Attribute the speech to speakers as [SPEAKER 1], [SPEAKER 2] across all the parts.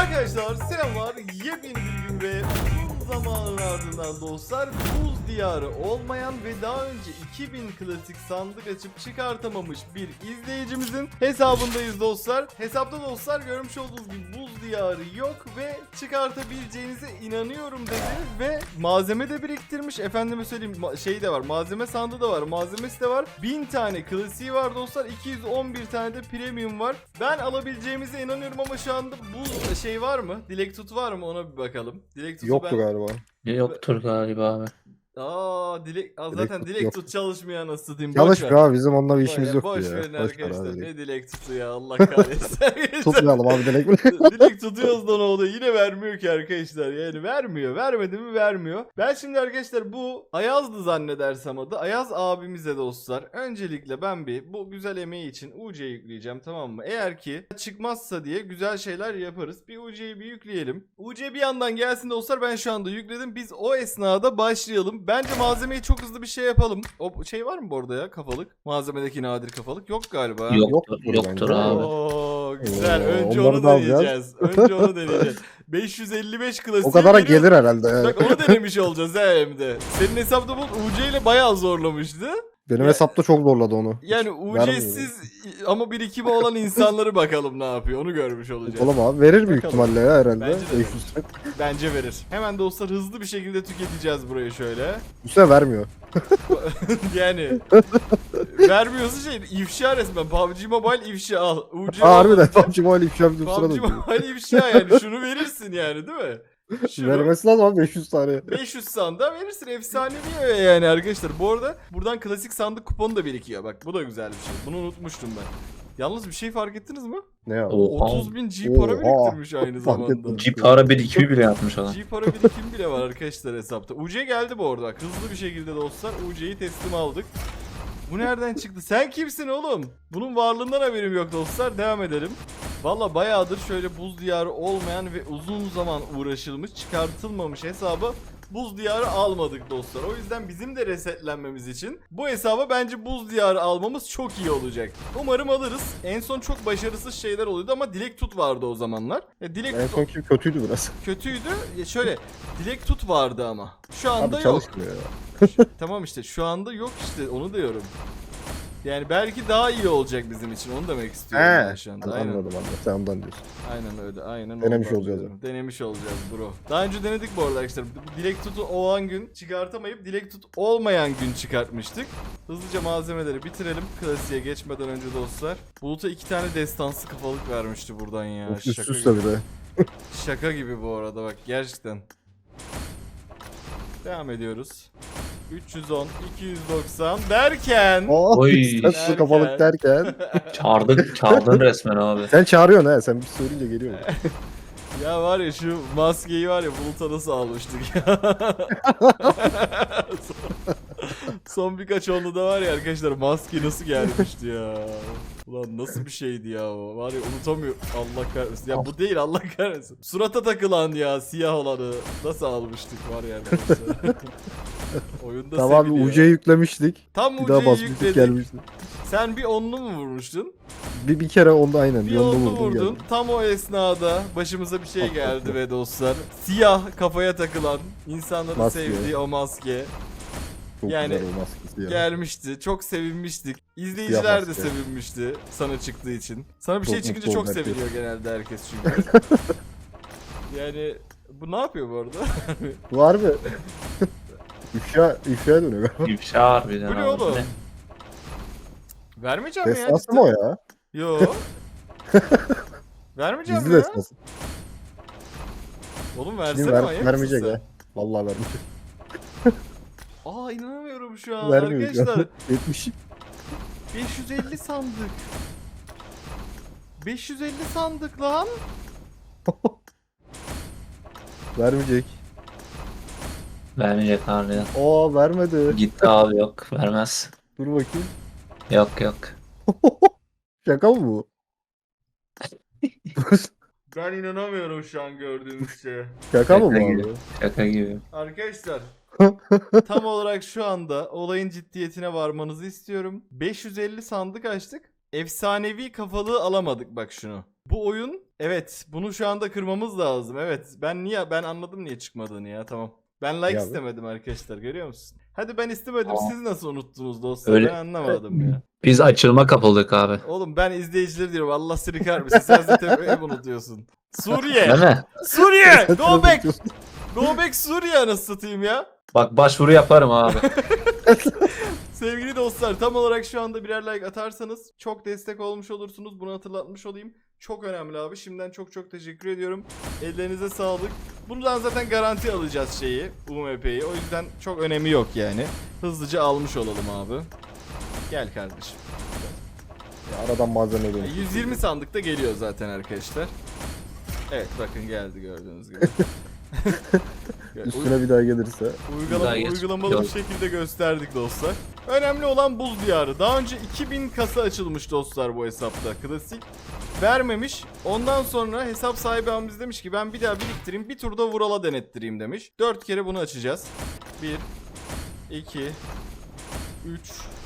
[SPEAKER 1] Arkadaşlar selamlar, yepyeni bir gün ve uzun zamanın ardından dostlar buz diyarı olmayan ve daha önce 2000 klasik sandık açıp çıkartamamış bir izleyicimizin hesabındayız dostlar. Hesapta dostlar görmüş olduğunuz gibi buz diyarı yok ve çıkartabileceğinize inanıyorum dedi ve malzeme de biriktirmiş. Efendime söyleyeyim şey de var, malzeme sandığı da var, malzemesi de var. 1000 tane klasiği var dostlar, 211 tane de premium var. Ben alabileceğimize inanıyorum ama şu anda buz şey var mı? Dilek tut var mı? Ona bir bakalım. Dilek tutu
[SPEAKER 2] Yoktu
[SPEAKER 1] ben...
[SPEAKER 2] galiba.
[SPEAKER 3] Yoktur galiba abi.
[SPEAKER 1] Zaten
[SPEAKER 2] tut
[SPEAKER 1] dilek
[SPEAKER 2] yok.
[SPEAKER 1] tut çalışmıyor anasını satayım. Boş
[SPEAKER 2] Çalışmıyor
[SPEAKER 1] ver.
[SPEAKER 2] abi, bizim onunla bir işimiz yok
[SPEAKER 1] Boş
[SPEAKER 2] ya.
[SPEAKER 1] verin
[SPEAKER 2] Boş ver
[SPEAKER 1] arkadaşlar.
[SPEAKER 2] abi.
[SPEAKER 1] Ne dilek tutu ya, Allah kahretsin.
[SPEAKER 2] Tutmayalım abi dilek bile.
[SPEAKER 1] Dilek tutuyoruz da ne oluyor? Yine vermiyor ki arkadaşlar. Yani vermiyor. Vermedi mi vermiyor. Ben şimdi arkadaşlar bu Ayaz'dı zannedersem adı. Ayaz abimize dostlar. Öncelikle ben bir bu güzel emeği için UC yükleyeceğim, tamam mı? Eğer ki çıkmazsa diye güzel şeyler yaparız. Bir UC'yi bir yükleyelim. UC bir yandan gelsin dostlar. Ben şu anda yükledim. Biz o esnada başlayalım. Bence malzemeyi çok hızlı bir şey yapalım. O şey var mı bu arada ya, kafalık? Malzemedeki nadir kafalık. Yok galiba.
[SPEAKER 3] Yoktur
[SPEAKER 2] bence.
[SPEAKER 3] abi.
[SPEAKER 1] Oo, güzel. Önce
[SPEAKER 2] onları
[SPEAKER 1] onu
[SPEAKER 2] da alacağız.
[SPEAKER 1] deneyeceğiz. Önce onu deneyeceğiz. 555 klasik.
[SPEAKER 2] O kadara gelir herhalde. Yani.
[SPEAKER 1] Bak onu denemiş olacağız hem de. Senin hesapta bu UC ile bayağı zorlamıştı.
[SPEAKER 2] Benim
[SPEAKER 1] Ya-
[SPEAKER 2] hesapta çok zorladı onu.
[SPEAKER 1] Yani
[SPEAKER 2] vermiyor.
[SPEAKER 1] UC'siz ama birikimi olan insanları bakalım ne yapıyor. Onu görmüş olacağız.
[SPEAKER 2] Oğlum abi verir büyük
[SPEAKER 1] Bakalım.
[SPEAKER 2] ihtimalle ya herhalde.
[SPEAKER 1] Bence de
[SPEAKER 2] 500 lira.
[SPEAKER 1] Bence verir. Hemen dostlar hızlı bir şekilde tüketeceğiz burayı şöyle.
[SPEAKER 2] Bu sefer vermiyor.
[SPEAKER 1] Yani vermiyorsa şey ifşa resmen. PUBG Mobile ifşa al. UC
[SPEAKER 2] Harbiden
[SPEAKER 1] olmadı.
[SPEAKER 2] PUBG Mobile ifşa bir sırada
[SPEAKER 1] PUBG
[SPEAKER 2] diyor.
[SPEAKER 1] Mobile ifşa yani. Şunu verirsin yani, değil mi? Şunu
[SPEAKER 2] Vermesi lazım abi 500 tane.
[SPEAKER 1] 500 sandığa verirsin. Efsanevi yani arkadaşlar. Bu arada buradan klasik sandık kuponu da birikiyor. Bak bu da güzel bir şey. Bunu unutmuştum ben. Yalnız bir şey fark ettiniz mi?
[SPEAKER 2] Ne ya?
[SPEAKER 3] Oha.
[SPEAKER 1] 30.000 G para
[SPEAKER 2] Oha.
[SPEAKER 1] biriktirmiş aynı
[SPEAKER 2] Fark
[SPEAKER 1] zamanda.
[SPEAKER 2] ettim.
[SPEAKER 3] G para birikimi bile yapmış adam.
[SPEAKER 1] G para birikim bile var arkadaşlar hesapta. UC geldi bu arada. Bak, hızlı bir şekilde dostlar UC'yi teslim aldık. Bu nereden çıktı? Sen kimsin oğlum? Bunun varlığından haberim yok dostlar. Devam edelim. Valla bayağıdır şöyle buz diyarı olmayan ve uzun zaman uğraşılmış, çıkartılmamış hesabı buz diyarı almadık dostlar. O yüzden bizim de resetlenmemiz için bu hesaba bence buz diyarı almamız çok iyi olacak. Umarım alırız. En son çok başarısız şeyler oluyordu ama Dilek Tut vardı o zamanlar. Dilek
[SPEAKER 2] En
[SPEAKER 1] Tut
[SPEAKER 2] son kim kötüydü biraz.
[SPEAKER 1] kötüydü. Şöyle Dilek Tut vardı ama. Şu anda
[SPEAKER 2] Abi
[SPEAKER 1] yok.
[SPEAKER 2] çalışmıyor ya.
[SPEAKER 1] Tamam işte şu anda yok işte, onu diyorum. Yani belki daha iyi olacak bizim için, onu demek istiyorum ben şu anda. Aynen.
[SPEAKER 2] Anladım anladım. Sen ondan diyorsun.
[SPEAKER 1] Aynen öyle. Aynen
[SPEAKER 2] Denemiş
[SPEAKER 1] ondan
[SPEAKER 2] olacağız
[SPEAKER 1] diyorum. Denemiş olacağız bro. Daha önce denedik bu arada arkadaşlar. Dilek Tut'u olan gün çıkartamayıp Dilek Tut olmayan gün çıkartmıştık. Hızlıca malzemeleri bitirelim klasiğe geçmeden önce dostlar. Bulut'a 2 tane destansı kafalık vermişti buradan ya.
[SPEAKER 2] Of, üst
[SPEAKER 1] Şaka
[SPEAKER 2] üste
[SPEAKER 1] gibi.
[SPEAKER 2] bir de.
[SPEAKER 1] Şaka gibi bu arada bak, gerçekten. Devam ediyoruz. 310, 290 derken
[SPEAKER 2] Oh,
[SPEAKER 3] Oy.
[SPEAKER 2] üstte kafalık derken.
[SPEAKER 3] Çağırdın resmen abi.
[SPEAKER 2] Sen çağırıyorsun ha. Sen bir söyleyince geliyor.
[SPEAKER 1] ya var ya, şu maskeyi var ya Bulut'a nasıl almıştık ya. Son birkaç onlu da var ya arkadaşlar, maske nasıl gelmişti ya. Ulan nasıl bir şeydi ya o. Var ya, unutamıyorum. Allah kahretsin. Ya bu değil, Allah kahretsin. Surata takılan ya, siyah olanı nasıl almıştık var ya arkadaşlar. Oyunda
[SPEAKER 2] Tamam abi
[SPEAKER 1] seviliyor.
[SPEAKER 2] UC'ye yüklemiştik.
[SPEAKER 1] Tam
[SPEAKER 2] Bir daha
[SPEAKER 1] UC'yi
[SPEAKER 2] basmıştık
[SPEAKER 1] yükledik.
[SPEAKER 2] gelmişti.
[SPEAKER 1] Sen bir onlu mu vurmuştun?
[SPEAKER 2] Bir kere onda aynen.
[SPEAKER 1] Bir
[SPEAKER 2] Bir onda
[SPEAKER 1] onlu
[SPEAKER 2] vurdum
[SPEAKER 1] vurdun.
[SPEAKER 2] geldi.
[SPEAKER 1] Tam o esnada başımıza bir şey geldi ve dostlar. Siyah kafaya takılan, insanların
[SPEAKER 2] Maske.
[SPEAKER 1] sevdiği o maske
[SPEAKER 2] Çok
[SPEAKER 1] yani
[SPEAKER 2] güzel o maskesi ya.
[SPEAKER 1] gelmişti. Çok sevinmiştik. İzleyiciler de
[SPEAKER 2] maske.
[SPEAKER 1] sevinmişti sana çıktığı için. Sana bir
[SPEAKER 2] Çok
[SPEAKER 1] şey çıkınca
[SPEAKER 2] mutlu
[SPEAKER 1] çok
[SPEAKER 2] oldu herkes.
[SPEAKER 1] seviniyor genelde herkes çünkü. Yani bu ne yapıyor bu arada?
[SPEAKER 2] Var mı? İfşa dönüyor galiba.
[SPEAKER 3] İfşa harbiden
[SPEAKER 1] Bu ne
[SPEAKER 3] abi.
[SPEAKER 1] oğlum? Vermeyeceğim ya.
[SPEAKER 2] Destansı
[SPEAKER 1] cidden.
[SPEAKER 2] mı o ya?
[SPEAKER 1] Yo. Vermeyeceğim
[SPEAKER 2] Gizli
[SPEAKER 1] ya.
[SPEAKER 2] destansı.
[SPEAKER 1] Oğlum
[SPEAKER 2] Şimdi
[SPEAKER 1] versene, manyak mısın
[SPEAKER 2] vermeyecek
[SPEAKER 1] sen?
[SPEAKER 2] ya. Vallahi vermeyecek.
[SPEAKER 1] Aa, inanamıyorum şu an
[SPEAKER 2] Vermiyor şu an.
[SPEAKER 1] arkadaşlar.
[SPEAKER 2] 70.
[SPEAKER 1] 550 sandık. 550 sandık lan.
[SPEAKER 2] Vermeyecek.
[SPEAKER 3] Vermeyecek harbiden.
[SPEAKER 2] Aa vermedi.
[SPEAKER 3] Gitti abi, yok vermez.
[SPEAKER 2] Dur bakayım.
[SPEAKER 3] Yok yok.
[SPEAKER 2] Şaka mı bu?
[SPEAKER 1] Ben inanamıyorum şu an gördüğümüz şeye.
[SPEAKER 2] Şaka mı bu
[SPEAKER 3] Şaka
[SPEAKER 2] abi?
[SPEAKER 3] gibi. Şaka gibi.
[SPEAKER 1] Arkadaşlar tam olarak şu anda olayın ciddiyetine varmanızı istiyorum. 550 sandık açtık. Efsanevi kafalığı alamadık bak şunu. Bu oyun Evet, bunu şu anda kırmamız lazım. Evet, ben anladım niye çıkmadığını ya. Tamam. Ben like
[SPEAKER 2] Ya abi.
[SPEAKER 1] istemedim arkadaşlar, görüyor musun? Hadi ben istemedim.
[SPEAKER 3] Aa.
[SPEAKER 1] Siz nasıl unuttunuz dostlar?
[SPEAKER 3] Öyle-
[SPEAKER 1] Ben anlamadım ya.
[SPEAKER 3] Biz açılma kapıldık abi.
[SPEAKER 1] Oğlum ben izleyicileri diyorum. Allah seni kahretmesin. Sen zaten hep unutuyorsun. Suriye.
[SPEAKER 3] Değil mi?
[SPEAKER 1] Suriye. Go back. Go back Suriye anasını satayım ya.
[SPEAKER 3] Bak başvuru yaparım abi.
[SPEAKER 1] Sevgili dostlar, tam olarak şu anda birer like atarsanız çok destek olmuş olursunuz. Bunu hatırlatmış olayım. Çok önemli abi. Şimdiden çok çok teşekkür ediyorum. Ellerinize sağlık. Bundan zaten garanti alacağız şeyi. UMP'yi. O yüzden çok önemi yok yani. Hızlıca almış olalım abi. Gel kardeşim.
[SPEAKER 2] Ya aradan malzeme geliyor.
[SPEAKER 1] 120 sandıkta geliyor zaten arkadaşlar. Evet bakın geldi gördüğünüz gibi.
[SPEAKER 2] Üstüne bir daha gelirse.
[SPEAKER 3] Güzel geç.
[SPEAKER 1] Uygulamalı bir
[SPEAKER 3] Yok.
[SPEAKER 1] şekilde gösterdik dostlar. Önemli olan buz diyarı. Daha önce 2000 kasa açılmış dostlar bu hesapta. Klasik. Vermemiş. Ondan sonra hesap sahibi abimiz demiş ki ben bir daha biriktireyim. Bir turda Vural'a denettireyim demiş. 4 kere bunu açacağız. 1 2 3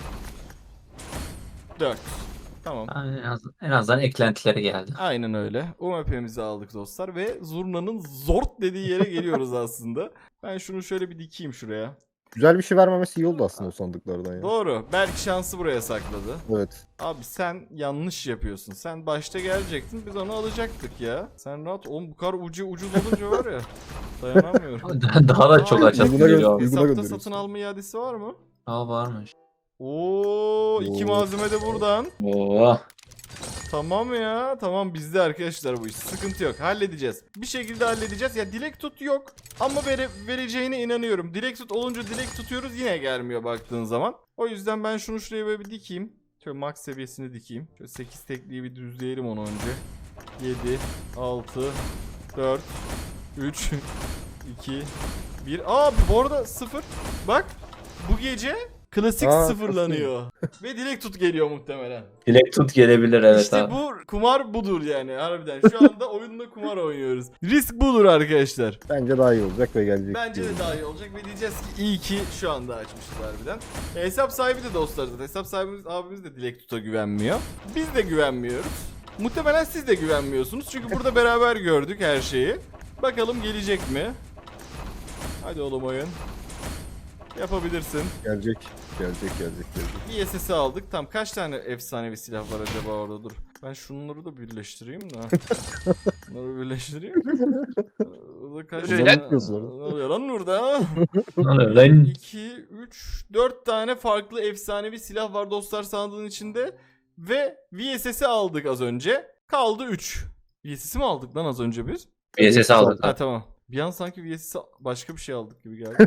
[SPEAKER 1] 4. Tamam.
[SPEAKER 3] En azından eklentileri geldi.
[SPEAKER 1] Aynen öyle. UMP'mizi aldık dostlar ve zurnanın zort dediği yere geliyoruz aslında. Ben şunu şöyle bir dikeyim şuraya.
[SPEAKER 2] Güzel bir şey vermemesi iyi oldu aslında o sandıklardan ya.
[SPEAKER 1] Doğru. Belki şansı buraya sakladı.
[SPEAKER 2] Evet.
[SPEAKER 1] Abi sen yanlış yapıyorsun. Sen başta gelecektin, biz onu alacaktık ya. Sen rahat. Oğlum bu kadar ucuz olunca var ya. Dayanamıyorum.
[SPEAKER 3] Daha da çok
[SPEAKER 1] Aa,
[SPEAKER 3] açasın
[SPEAKER 2] uyguna
[SPEAKER 3] geliyor abi.
[SPEAKER 2] Uyguna
[SPEAKER 1] Hesapta
[SPEAKER 2] gönderiyorsun.
[SPEAKER 1] satın alma iadesi var mı?
[SPEAKER 3] Aa varmış.
[SPEAKER 1] Oo, 2
[SPEAKER 2] Oo.
[SPEAKER 1] malzeme de buradan.
[SPEAKER 3] Oo.
[SPEAKER 1] Tamam ya. Tamam bizde arkadaşlar bu iş. Sıkıntı yok. Halledeceğiz. Bir şekilde halledeceğiz. Ya dilek tut yok. Ama vereceğine inanıyorum. Dilek tut olunca dilek tutuyoruz yine gelmiyor baktığın zaman. O yüzden ben şunu şuraya böyle bir dikeyim. Şöyle max seviyesini dikeyim. Şöyle 8 tekliği bir düzleyelim onu önce. 7, 6, 4, 3, 2, 1. Aa bu arada 0. Bak bu gece klasik
[SPEAKER 2] Aa,
[SPEAKER 1] sıfırlanıyor. Ve dilek tut geliyor muhtemelen.
[SPEAKER 3] Dilek tut gelebilir evet
[SPEAKER 1] İşte
[SPEAKER 3] abi.
[SPEAKER 1] bu kumar budur yani harbiden. Şu anda oyunda kumar oynuyoruz. Risk budur arkadaşlar.
[SPEAKER 2] Bence daha iyi olacak ve gelecek.
[SPEAKER 1] Bence de daha iyi olacak ve diyeceğiz ki iyi ki şu anda açmışız harbiden. Hesap sahibi de dostlar zaten. Hesap sahibimiz abimiz de Dilek Tut'a güvenmiyor. Biz de güvenmiyoruz. Muhtemelen siz de güvenmiyorsunuz. Çünkü burada beraber gördük her şeyi. Bakalım gelecek mi? Hadi oğlum oyun. Yapabilirsin.
[SPEAKER 2] Gelecek.
[SPEAKER 1] Bir SS'i aldık. Tam kaç tane efsanevi silah var acaba orada dur. Ben şunları da birleştireyim de. Bunları birleştireyim. Burada kaç
[SPEAKER 2] Öyle
[SPEAKER 1] tane...
[SPEAKER 2] yapıyorsun.
[SPEAKER 1] Ne oluyor lan burada?
[SPEAKER 3] Lan
[SPEAKER 1] 2, 3, 4 tane farklı efsanevi silah var dostlar sandığın içinde. Ve VSS'i aldık az önce. Kaldı 3. VSS'i mi aldık lan az önce biz?
[SPEAKER 3] VSS aldık
[SPEAKER 1] Ha
[SPEAKER 3] abi.
[SPEAKER 1] tamam. Bir an sanki VSS'i başka bir şey aldık gibi geldi.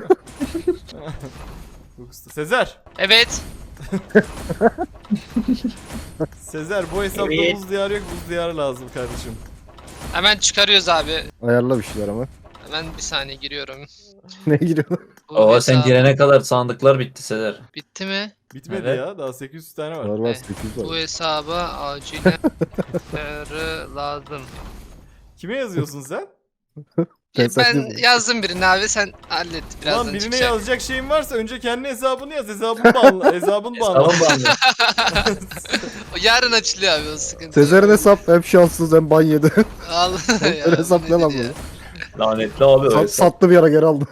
[SPEAKER 1] Yok usta. Sezer.
[SPEAKER 4] Evet.
[SPEAKER 1] Sezer bu hesapta
[SPEAKER 3] Evet.
[SPEAKER 1] buz diyarı yok, buz diyarı lazım kardeşim.
[SPEAKER 4] Hemen çıkarıyoruz abi.
[SPEAKER 2] Ayarla bir şeyler ama.
[SPEAKER 4] Hemen bir saniye giriyorum.
[SPEAKER 2] Ne giriyor?
[SPEAKER 4] Bu
[SPEAKER 3] Oo sen
[SPEAKER 4] hesabı-
[SPEAKER 3] girene kadar sandıklar bitti Sezer.
[SPEAKER 4] Bitti mi?
[SPEAKER 1] Bitmedi
[SPEAKER 3] Evet.
[SPEAKER 1] ya, daha 800 tane var.
[SPEAKER 2] Var
[SPEAKER 4] Evet.
[SPEAKER 2] 800
[SPEAKER 4] Bu
[SPEAKER 2] var.
[SPEAKER 4] hesaba acilen lazım.
[SPEAKER 1] Kime yazıyorsun sen?
[SPEAKER 2] Sen
[SPEAKER 4] Ben
[SPEAKER 2] saklıyorsun.
[SPEAKER 4] yazdım birini abi sen hallet birazdan
[SPEAKER 1] Lan birine
[SPEAKER 4] çıkacak.
[SPEAKER 1] yazacak şeyin varsa önce kendi hesabını yaz. Hesabını banla. Hesabını banla.
[SPEAKER 3] Tamam bandı.
[SPEAKER 4] O yarın açılıyor abi o sıkıntı.
[SPEAKER 2] Sezer'in hesap hem şanssız hem ban yedi.
[SPEAKER 4] Allah
[SPEAKER 2] Öyle hesap ne lan bu?
[SPEAKER 3] Lanetli abi o hesap.
[SPEAKER 2] Sattı bir ara geri aldı.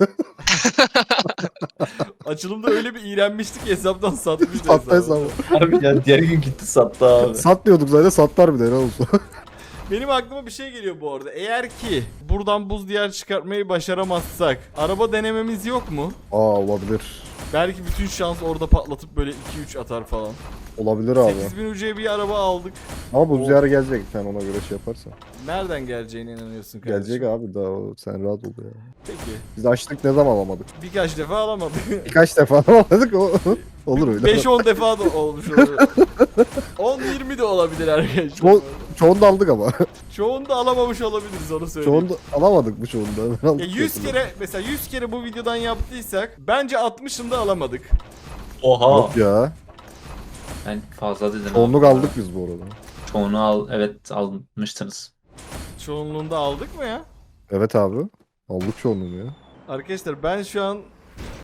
[SPEAKER 1] Açılımda öyle bir iğrenmiştik ki hesaptan satmıştı
[SPEAKER 2] Sattı
[SPEAKER 1] hesabı.
[SPEAKER 2] hesabı.
[SPEAKER 3] Abi ya diğer gün gitti sattı abi.
[SPEAKER 2] Sat diyorduk zaten sattar bir de ne olsun.
[SPEAKER 1] Benim aklıma bir şey geliyor bu arada. Eğer ki buradan buz diyar çıkartmayı başaramazsak araba denememiz yok mu?
[SPEAKER 2] Aa olabilir.
[SPEAKER 1] Belki bütün şans orada patlatıp böyle 2-3 atar falan.
[SPEAKER 2] Olabilir abi.
[SPEAKER 1] 8000 UC'ye bir araba aldık.
[SPEAKER 2] Ama bu ziyara gelecek sen ona göre şey yaparsan.
[SPEAKER 1] Nereden geleceğine inanıyorsun kardeşim?
[SPEAKER 2] Gelecek abi daha o, sen rahat ol ya.
[SPEAKER 1] Peki.
[SPEAKER 2] Biz açtık ne zaman alamadık.
[SPEAKER 1] Birkaç defa alamadık.
[SPEAKER 2] Birkaç defa alamadık o olur öyle.
[SPEAKER 1] 5-10 defa da olmuş olur. 10-20 de olabilir arkadaşlar.
[SPEAKER 2] Çoğunu da aldık ama.
[SPEAKER 1] Çoğunu da alamamış olabiliriz onu söyleyeyim.
[SPEAKER 2] Çoğunu da alamadık bu çoğunu da. Ben
[SPEAKER 1] Ya
[SPEAKER 2] aldık
[SPEAKER 1] 100
[SPEAKER 2] diye
[SPEAKER 1] kere mesela 100 kere bu videodan yaptıysak bence 60'ını alamadık.
[SPEAKER 3] Oha.
[SPEAKER 2] Yok ya.
[SPEAKER 3] Ben fazla dedim.
[SPEAKER 2] Çoğunluk
[SPEAKER 3] abi.
[SPEAKER 2] aldık biz bu arada.
[SPEAKER 3] Çoğunu al. Evet almıştınız.
[SPEAKER 1] Çoğunluğunda aldık mı ya?
[SPEAKER 2] Evet abi. Aldık çoğunluğunu ya.
[SPEAKER 1] Arkadaşlar ben şu an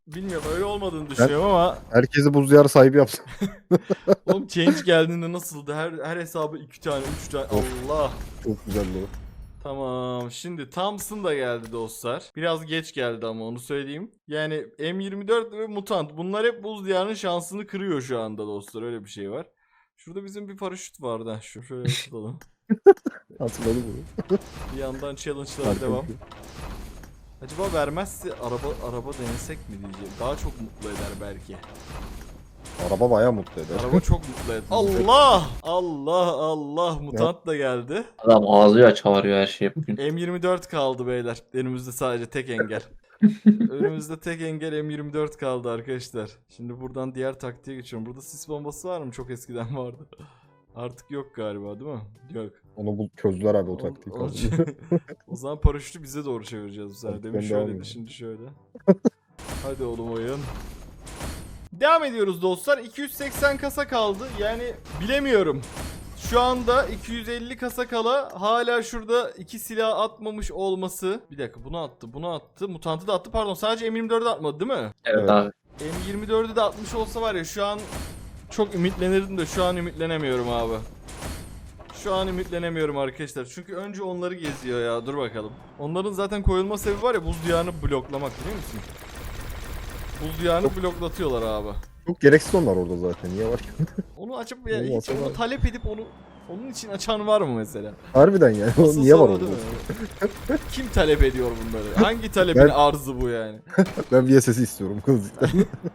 [SPEAKER 1] bilmiyorum öyle olmadığını düşünüyorum ama
[SPEAKER 2] Herkesi buz diyarı sahibi yaptı.
[SPEAKER 1] oğlum change geldiğinde nasıldı? Her hesabı 2 tane 3 tane Allah.
[SPEAKER 2] Çok güzeldi o.
[SPEAKER 1] Tamam şimdi Thompson da geldi dostlar. Biraz geç geldi ama onu söyleyeyim. Yani M24 ve Mutant bunlar hep buz diyarının şansını kırıyor şu anda dostlar, öyle bir şey var. Şurada bizim bir paraşüt vardı. Ha, şöyle tutalım.
[SPEAKER 2] Hatırladım bunu.
[SPEAKER 1] Bir yandan challenge'lara
[SPEAKER 2] Harika
[SPEAKER 1] devam.
[SPEAKER 2] bir şey.
[SPEAKER 1] Acaba vermezse araba denesek mi diyeceğim. Daha çok mutlu eder belki.
[SPEAKER 2] Araba bayağı mutlu eder.
[SPEAKER 1] Araba çok mutlu eder. Allah! Allah! Mutant da geldi.
[SPEAKER 3] Adam ağzıyla çağırıyor her şeyi bugün.
[SPEAKER 1] M24 kaldı beyler. Önümüzde sadece tek engel. Önümüzde tek engel M24 kaldı arkadaşlar. Şimdi buradan diğer taktiğe geçiyorum. Burada sis bombası var mı? Çok eskiden vardı. Artık yok galiba değil mi? Yok.
[SPEAKER 2] Onu çözdüler abi o taktiği.
[SPEAKER 1] O zaman paraşütü bize doğru çevireceğiz bu sefer.
[SPEAKER 2] Hadi
[SPEAKER 1] Demin
[SPEAKER 2] ben devam
[SPEAKER 1] şöyleydi,
[SPEAKER 2] edeyim.
[SPEAKER 1] şimdi şöyle. Hadi oğlum oyun. Devam ediyoruz dostlar. 280 kasa kaldı. Yani bilemiyorum. Şu anda 250 kasa kala hala şurada 2 silah atmamış olması. Bir dakika, bunu attı. Mutantı da attı, pardon, sadece M24'ü atmadı değil mi?
[SPEAKER 3] Evet,
[SPEAKER 2] Evet.
[SPEAKER 3] abi.
[SPEAKER 1] M24'ü de atmış olsa var ya, şu an çok ümitlenirdim de şu an ümitlenemiyorum abi. Şu an ümitlenemiyorum arkadaşlar. Çünkü önce onları geziyor ya. Dur bakalım. Onların zaten koyulma sebebi var ya, buz diyarını bloklamak, biliyor musun? Buz diyarını bloklatıyorlar abi.
[SPEAKER 2] Çok gereksiz onlar orada zaten. Niye var ki?
[SPEAKER 1] Onu açıp ya
[SPEAKER 2] Niye
[SPEAKER 1] hiç
[SPEAKER 2] var?
[SPEAKER 1] onu talep edip onun için açan var mı mesela?
[SPEAKER 2] Harbiden yani. O
[SPEAKER 1] Asıl
[SPEAKER 2] niye var
[SPEAKER 1] soru
[SPEAKER 2] orada?
[SPEAKER 1] değil mi? Kim talep ediyor bunları? Hangi talebin
[SPEAKER 2] Ben-
[SPEAKER 1] arzı bu yani?
[SPEAKER 2] Ben VSS'i istiyorum kızlıktan.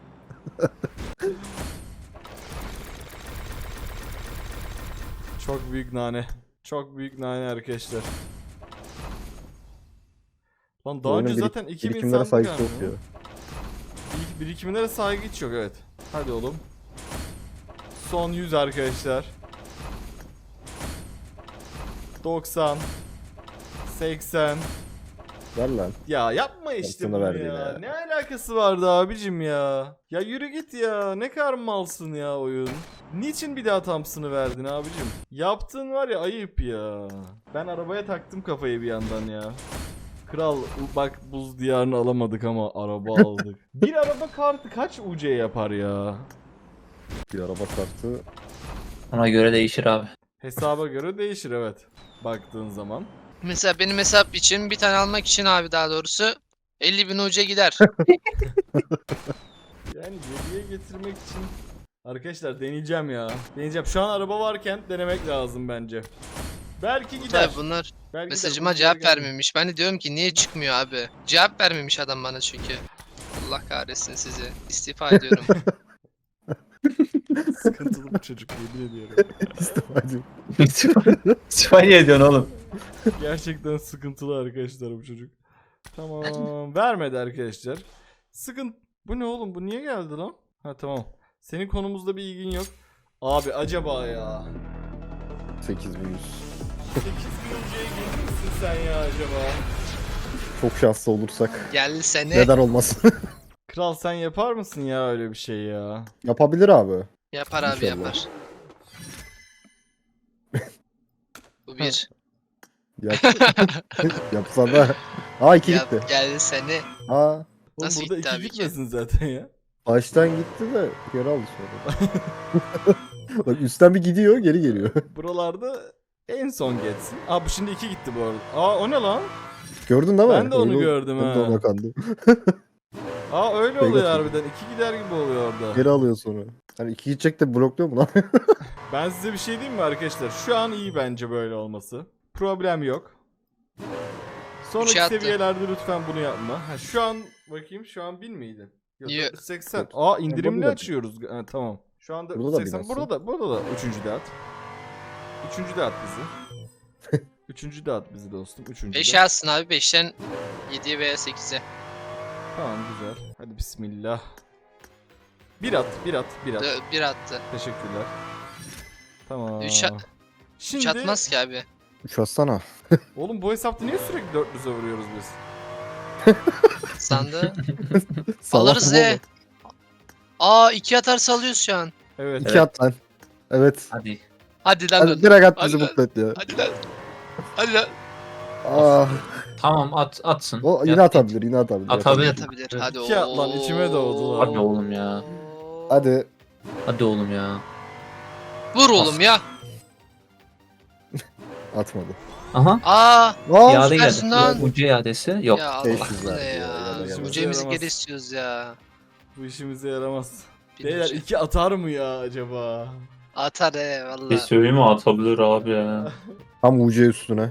[SPEAKER 1] Çok büyük nane. Çok büyük nane arkadaşlar. Lan daha
[SPEAKER 2] Oyunun
[SPEAKER 1] önce zaten 2000
[SPEAKER 2] birikimlere
[SPEAKER 1] sandık
[SPEAKER 2] saygısı yok
[SPEAKER 1] almıyor.
[SPEAKER 2] ya.
[SPEAKER 1] Birikimlere saygı hiç yok, evet. Hadi oğlum. Son 100 arkadaşlar. 90 80.
[SPEAKER 2] Ver lan.
[SPEAKER 1] Ya yapma işte
[SPEAKER 2] Sana
[SPEAKER 1] bunu
[SPEAKER 2] verdi
[SPEAKER 1] ya.
[SPEAKER 2] ya.
[SPEAKER 1] Ne alakası vardı abicim ya? Ya yürü git ya. Ne kadar malsın ya oyun. Niçin bir daha Thompson'ı verdin abicim? Yaptığın var ya, ayıp ya. Ben arabaya taktım kafayı bir yandan ya. Kral bak, buz diyarını alamadık ama araba aldık. Bir araba kartı kaç UC yapar ya?
[SPEAKER 2] Bir araba kartı.
[SPEAKER 3] Ona göre değişir abi.
[SPEAKER 1] Hesaba göre değişir, evet. Baktığın zaman.
[SPEAKER 4] Mesela benim hesap için bir tane almak için abi, daha doğrusu 50.000 uca gider.
[SPEAKER 1] Yani 7'ye getirmek için arkadaşlar deneyeceğim ya. Deneyeceğim. Şu an araba varken denemek lazım bence. Belki gider.
[SPEAKER 4] Tabii bunlar
[SPEAKER 1] Belki
[SPEAKER 4] mesajıma
[SPEAKER 1] gider.
[SPEAKER 4] cevap
[SPEAKER 1] Bunlara gelmedi.
[SPEAKER 4] vermemiş. Ben de diyorum ki niye çıkmıyor abi? Cevap vermemiş adam bana çünkü. Allah kahretsin sizi. İstifa ediyorum.
[SPEAKER 1] Sıkıntılı bir çocuk, yemin ediyorum.
[SPEAKER 2] Hadi.
[SPEAKER 3] İsmail ediyorsun oğlum.
[SPEAKER 1] Gerçekten sıkıntılı arkadaşlar bu çocuk. Tamam. Vermedi arkadaşlar. Bu ne oğlum? Bu niye geldi lan? Ha tamam. Senin konumuzda bir ilgin yok. Abi acaba ya.
[SPEAKER 2] 8100.
[SPEAKER 1] 8 birinciye gelir misin sen ya acaba?
[SPEAKER 2] Çok şanslı olursak.
[SPEAKER 4] Gelsene.
[SPEAKER 2] Neden olmasın?
[SPEAKER 1] Kral sen yapar mısın ya öyle bir şey ya?
[SPEAKER 2] Yapabilir abi.
[SPEAKER 4] Yapar abi
[SPEAKER 2] İnşallah.
[SPEAKER 4] yapar. Bu bir.
[SPEAKER 2] Yap. Yapsana. Aa 2
[SPEAKER 4] Yap,
[SPEAKER 2] gitti.
[SPEAKER 4] gelsene.
[SPEAKER 2] Aa.
[SPEAKER 1] Oğlum
[SPEAKER 4] Nasıl
[SPEAKER 1] burada
[SPEAKER 4] gitti
[SPEAKER 1] 2
[SPEAKER 4] abi ki?
[SPEAKER 1] gitmesin zaten ya.
[SPEAKER 2] Baştan gitti de geri aldı sonra. Bak üstten bir gidiyor geri geliyor.
[SPEAKER 1] Buralarda en son geçsin. Aa bu şimdi 2 gitti bu arada. Aa o ne lan?
[SPEAKER 2] Gördün değil mi?
[SPEAKER 1] Ben de onu
[SPEAKER 2] Öyle-
[SPEAKER 1] gördüm
[SPEAKER 2] Ben de
[SPEAKER 1] ha.
[SPEAKER 2] ona kandım.
[SPEAKER 1] Aa öyle
[SPEAKER 2] Şey
[SPEAKER 1] oluyor
[SPEAKER 2] götürdü.
[SPEAKER 1] harbiden. 2 gider gibi oluyor orada.
[SPEAKER 2] Geri alıyor sonra. Hani 2 gidecek de blokluyor mu lan?
[SPEAKER 1] Ben size bir şey diyeyim mi arkadaşlar? Şu an iyi bence böyle olması. Problem yok. Sonraki
[SPEAKER 4] Üçe attı.
[SPEAKER 1] seviyelerde lütfen bunu yapma. Ha, şu an bakayım, şu an 1000 miydi? Yok,
[SPEAKER 4] Yok.
[SPEAKER 1] 480.
[SPEAKER 2] Yok.
[SPEAKER 1] Aa indirimli
[SPEAKER 2] Burada da-
[SPEAKER 1] açıyoruz. Ha, tamam. Şu anda
[SPEAKER 2] Burada da
[SPEAKER 1] 480.
[SPEAKER 2] binası.
[SPEAKER 1] Burada da üçüncü de at. Üçüncü de at bizi. Üçüncü de at bizi dostum. Üçüncü
[SPEAKER 4] 5'e
[SPEAKER 1] de.
[SPEAKER 4] atsın abi, 5'ten 7'ye veya 8'e.
[SPEAKER 1] Tamam güzel. Hadi bismillah. Bir at.
[SPEAKER 4] Bir attı.
[SPEAKER 1] Teşekkürler. Tamam.
[SPEAKER 4] 3
[SPEAKER 1] Şimdi
[SPEAKER 4] atmaz ki abi.
[SPEAKER 2] 3 atsana.
[SPEAKER 1] oğlum bu hesapta niye sürekli 400'e vuruyoruz biz?
[SPEAKER 4] Sandı.
[SPEAKER 2] Salak
[SPEAKER 4] Alırız
[SPEAKER 2] mı
[SPEAKER 4] he. Aa 2 atarsa alıyoruz şu an.
[SPEAKER 1] Evet.
[SPEAKER 2] 2 at lan. Evet.
[SPEAKER 3] Hadi.
[SPEAKER 4] Hadi lan.
[SPEAKER 2] Hadi direkt at bizi
[SPEAKER 4] Hadi lan.
[SPEAKER 2] mutlu et ya.
[SPEAKER 4] Hadi lan. Hadi lan.
[SPEAKER 2] Ah,
[SPEAKER 3] Tamam atsın.
[SPEAKER 2] o yine
[SPEAKER 3] Yat,
[SPEAKER 2] atabilir, yine atabilir.
[SPEAKER 3] Atabilir.
[SPEAKER 4] Atabilir. Hadi
[SPEAKER 1] İki at lan, içime doğdu lan.
[SPEAKER 3] Hadi oğlum ya.
[SPEAKER 2] Hadi.
[SPEAKER 3] Hadi oğlum ya.
[SPEAKER 4] Vur oğlum ya.
[SPEAKER 2] Atmadı.
[SPEAKER 3] Aha.
[SPEAKER 4] Aa.
[SPEAKER 2] Aa,
[SPEAKER 3] İade
[SPEAKER 4] süpersin
[SPEAKER 3] geldi.
[SPEAKER 4] lan.
[SPEAKER 3] Ucu iadesi yok.
[SPEAKER 4] Ya Allah
[SPEAKER 2] 500
[SPEAKER 4] bu ne
[SPEAKER 2] verdi ya,
[SPEAKER 4] ya.
[SPEAKER 2] ya da
[SPEAKER 4] Ucemizi
[SPEAKER 1] yaramaz.
[SPEAKER 4] geri istiyoruz ya.
[SPEAKER 1] Bu işimize yaramaz.
[SPEAKER 4] Bir
[SPEAKER 1] Beyler
[SPEAKER 4] ucu.
[SPEAKER 1] 2 atar mı ya acaba?
[SPEAKER 4] Atar
[SPEAKER 3] Bir
[SPEAKER 4] valla.
[SPEAKER 3] söyleyeyim mi? Atabilir abi ya.
[SPEAKER 2] tam UC üstüne.